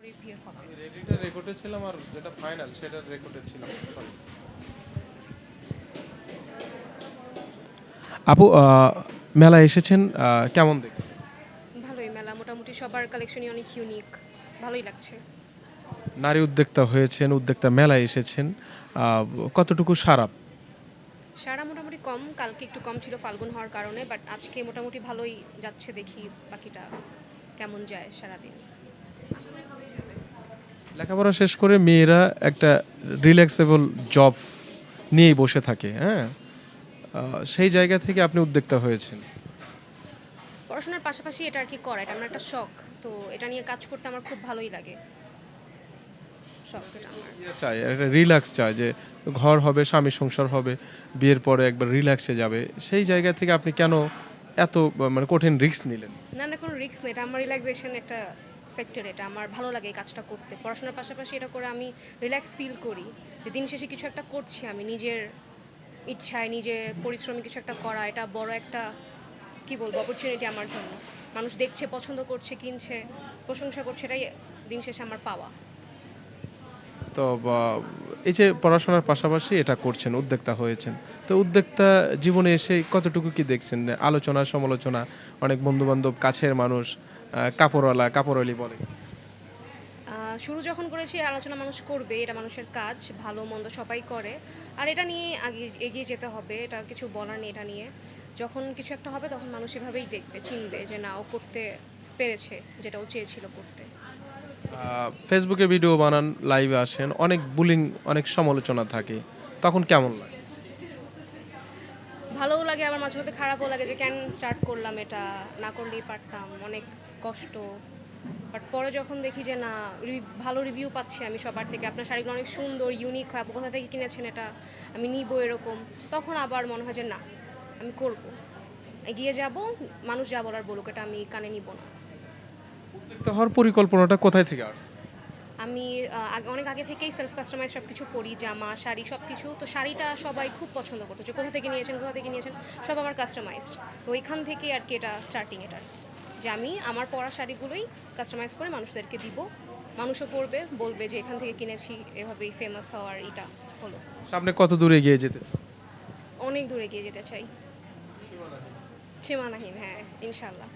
ভিড় হবে। আমি রেডিটা রেকর্ডে ছিলাম আর যেটা ফাইনাল সেটার রেকর্ডে ছিলাম, সরি। আপু, মেলায় এসেছেন, কেমন দেখছেন? ভালোই মেলা মোটামুটি সবার কালেকশনই অনেক ইউনিক। ভালোই লাগছে। নারী উদ্যোক্তা হয়েছেন, উদ্যোক্তা মেলায় এসেছেন, কতটুকু সারাপ? সারা মোটামুটি কম, কালকে একটু কম ছিল ফাল্গুন হওয়ার কারণে, বাট আজকে মোটামুটি ভালোই যাচ্ছে, দেখি বাকিটা কেমন যায় সারাদিন। আশা করি ভালোই যাবে। লেখাপড়া শেষ করে মেয়েরা একটা রিল্যাক্সেবল জব নিয়েই বসে থাকে, হ্যাঁ? সেই জায়গা থেকে আপনি উদ্যোক্তা হয়েছেন। পড়াশোনার পাশাপাশি এটা আর কি করা, এটা আমার একটা শখ। তো এটা নিয়ে কাজ করতে আমার খুব ভালোই লাগে। শখ এটা আমার। চাই একটা রিল্যাক্স চায় যে ঘর হবে, স্বামী সংসার হবে, বিয়ের পরে একবার রিল্যাক্সে যাবে। সেই জায়গা থেকে আপনি কেন এত মানে কঠিন রিস্ক নিলেন? না, না, কোনো রিস্ক নেই। এটা আমার রিল্যাক্সেশন একটা সেক্টর। এটা আমার ভালো লাগে এই কাজটা করতে। পড়াশোনার পাশাপাশি এটা করে আমি রিল্যাক্স ফিল করি যে দিন শেষে কিছু একটা করছি আমি নিজের ইচ্ছায়, নিজের পরিশ্রমে কিছু একটা করা। এটা বড় একটা কি বলবো অপরচুনিটি আমার জন্য। মানুষ দেখছে, পছন্দ করছে, কিনছে, প্রশংসা করছে, এটাই দিন শেষে আমার পাওয়া। তো এই যে পড়াশোনার পাশাপাশি এটা করছেন, উদ্যোক্তা হয়েছেন, তো উদ্যোক্তা জীবনে এসে কতটুকু কি দেখছেন? আলোচনা সমালোচনা, অনেক বন্ধু বান্ধব, কাছের মানুষ, কাপড়ওয়ালা কাপড়ওয়ালি বলে। শুরু যখন করেছি আলোচনা মানুষ করবে, এটা মানুষের কাজ, ভালো মন্দ সবাই করে। আর এটা নিয়ে আগে এগিয়ে যেতে হবে, এটা কিছু বলার নেই এটা নিয়ে। যখন কিছু একটা হবে তখন মানুষ এভাবেই দেখবে, চিনবে যে না ও করতে পেরেছে যেটা ও চেয়েছিল করতে। ফেসবুকে ভিডিও বানান, লাইভে আসেন, অনেক বুলিং, অনেক সমালোচনা থাকে, তখন কেমন লাগে? ভালোও লাগে, আবার মাঝে মধ্যে খারাপও লাগে যে কেন স্টার্ট করলাম, এটা না করলেই পারতাম, অনেক কষ্ট। বাট পরে যখন দেখি যে না ভালো রিভিউ পাচ্ছি আমি সবার থেকে, আপনার শাড়িগুলো অনেক সুন্দর, ইউনিক হয়, আপু কোথা থেকে কিনেছেন এটা, আমি নিব এরকম, তখন আবার মনে হয় যে না আমি করব, এগিয়ে যাব, মানুষ যা বলার বলুক, এটা আমি কানে নিব না। উদ্যোক্তা হওয়ার পরিকল্পনাটা কোথায় থেকে আসছে? আমি অনেক আগে থেকেই সেলফ কাস্টমাইজ সব কিছু করি, জামা শাড়ি সব কিছু। তো শাড়িটা সবাই খুব পছন্দ করতো যে কোথা থেকে নিয়েছেন, কোথা থেকে নিয়েছেন, সব আমার কাস্টমাইজড। তো ওইখান থেকেই আর কি এটা স্টার্টিং এটার, যে আমি আমার পরা শাড়িগুলোই কাস্টমাইজ করে মানুষদেরকে দিব, মানুষও পরবে, বলবে যে এখান থেকে কিনেছি, এভাবেই ফেমাস হওয়ার এটা হলো। সামনে কত দূরে এগিয়ে যেতে? অনেক দূরে গিয়ে যেতে চাই, সীমানাহীন, হ্যাঁ ইনশাল্লাহ।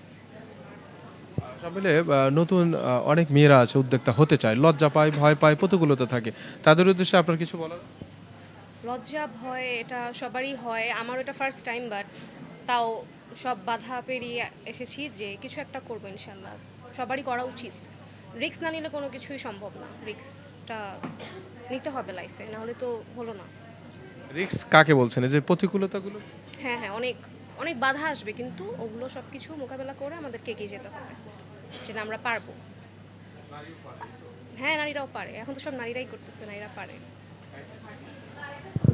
সব মিলে নতুন অনেক মেয়েরা আছে উদ্যোক্তা হতে চায়, লজ্জা পায়, ভয় পায়, প্রতিকূলতা থাকে, তাদের উদ্দেশ্যে আপনার কিছু বলার? লজ্জা ভয় এটা সবারই হয়, আমার এটা ফার্স্ট টাইম, বাট তাও সব বাধা পেরিয়ে এসেছি যে কিছু একটা করবো ইনশাল্লাহ। সবারই করা উচিত। রিস্ক না নিলে কোনো কিছুই সম্ভব না, রিস্কটা নিতে হবে লাইফে, নাহলে তো হলো না। রিস্ক কাকে বলছেন, এই যে প্রতিকূলতাগুলো? হ্যাঁ, হ্যাঁ, অনেক অনেক বাধা আসবে, কিন্তু ওগুলো সব কিছু মোকাবেলা করে আমাদেরকে এগিয়ে যেতে হবে, যেটা আমরা পারবো। হ্যাঁ, নারীরাও পারে, এখন তো সব নারীরাই করতেছে, নারীরা পারে।